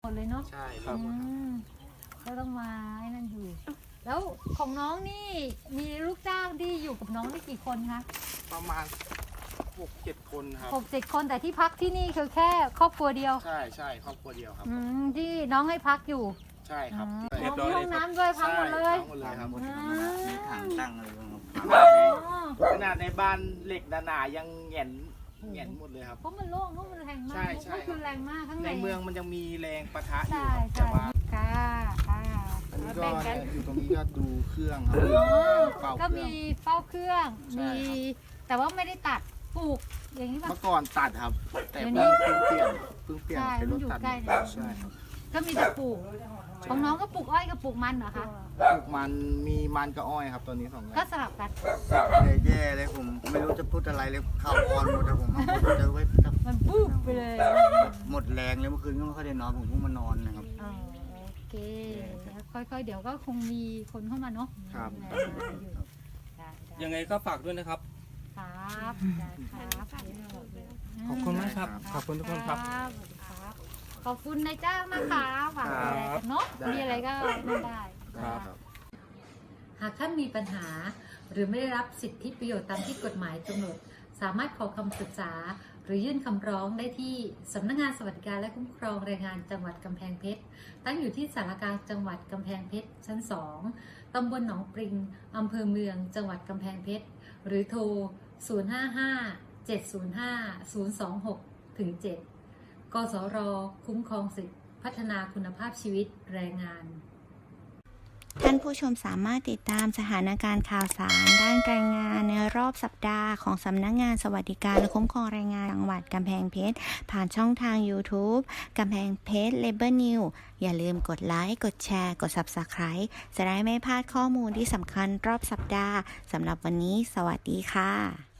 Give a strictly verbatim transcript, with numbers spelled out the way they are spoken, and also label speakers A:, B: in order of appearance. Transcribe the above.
A: หมดเลยเนาะ
B: ใช่ครับ
A: ก็ต้องมาไอ้นั่นอยู่แล้วของน้องนี่มีลูกจ้างที่อยู่กับน้องนี่กี่คนคะ
B: ประมาณหกเจ็ดคนครับ
A: หกเจ็ดคนแต่ที่พักที่นี่คือแค่ครอบครัวเดียว
B: ใช่ใช่ครอบครัวเดียวครับ
A: อืมที่น้องให้พักอยู่
B: ใช่ครับ
A: เรียบร้อยห้องน้ำด้วยพักหมดเลย
B: พักหมดเลยครับ
C: มีถังตั้งอะไรบ้าง
B: ขนาดในบ้านเหล็กหนาๆยังแหงนแหงนหมดเลยครับ
A: เพราะมันโล่งเพราะมันแรงมากก็คือแรงมากข้างใน
B: ในเมืองมันยังมีแรงปะทะอ
A: ยู่
B: แต่ว่า
A: ค่ะค่ะ
B: อันนี้ก็อยู่ตรงนี้ก็ดูเครื่องครับ
A: ก็มีเฝ้าเครื่องมีแต่ว่าไม่ได้ตัดปลูกอย่างนี้ป่ะ
B: เมื่อก่อนตัดครับแต่เพิ่งเปลี่ยนเพิ่งเปลี่ยนเป็นรถตัดใช่ครับ
A: ก็มีแต่ปลูกของน้องก็ปลูกอ้อยกับปลูกมันเหรอคะ
B: ปลูกมันมีมันกับอ้อยครับตอนนี้สองอย่าง
A: ก็สลับกัน
C: แย่เลยผมไม่รู้จะพูดอะไรเลยข่าวอ่อนหมดแต่ผมมาหมดเจอไว้
A: มันปุ๊บไปเลย
C: หมดแรงเลยเมื่อคืนก็ไม่ค่อยได้นอนผมเพิ่งมานอนนะครับ
A: โอเคค่อยๆเดี๋ยวก็คงมีคนเข้ามาเนาะ
B: ครับ
D: ยังไงก็ฝากด้วยนะครับ
A: ครับครับ
D: ขอบคุณมากครับขอบคุณทุกคนครับ
A: ขอบคุณนายจ้างนะคะฝากดูแลกันเนาะมีอะไรก็ไม่ได้หากท่านมีปัญหาหรือไม่ได้รับสิทธิประโยชน์ตามที่กฎหมายกำหนดสามารถขอคำปรึกษาหรือยื่นคำร้องได้ที่สำนักงานสวัสดิการและคุ้มครองแรงงานจังหวัดกำแพงเพชรตั้งอยู่ที่สารกลางจังหวัดกำแพงเพชรชั้นสองตำบลหนองปริงอำเภอเมืองจังหวัดกำแพงเพชรหรือโทรศูนย์ ห้า ห้า เจ็ด ศูนย์ ห้า ศูนย์ สอง หก ถึง เจ็ดกสรคุ้มครองสิทธิพัฒนาคุณภาพชีวิตแรงงาน
E: ท่านผู้ชมสามารถติดตามสถานการณ์ข่าวสารด้านแรงงานในรอบสัปดาห์ของสำนักงานสวัสดิการและคุ้มครองแรงงานจังหวัดกำแพงเพชรผ่านช่องทาง YouTube กำแพงเพชร Labor News อย่าลืมกดไลค์กดแชร์กด Subscribe จะได้ไม่พลาดข้อมูลที่สำคัญรอบสัปดาห์สำหรับวันนี้สวัสดีค่ะ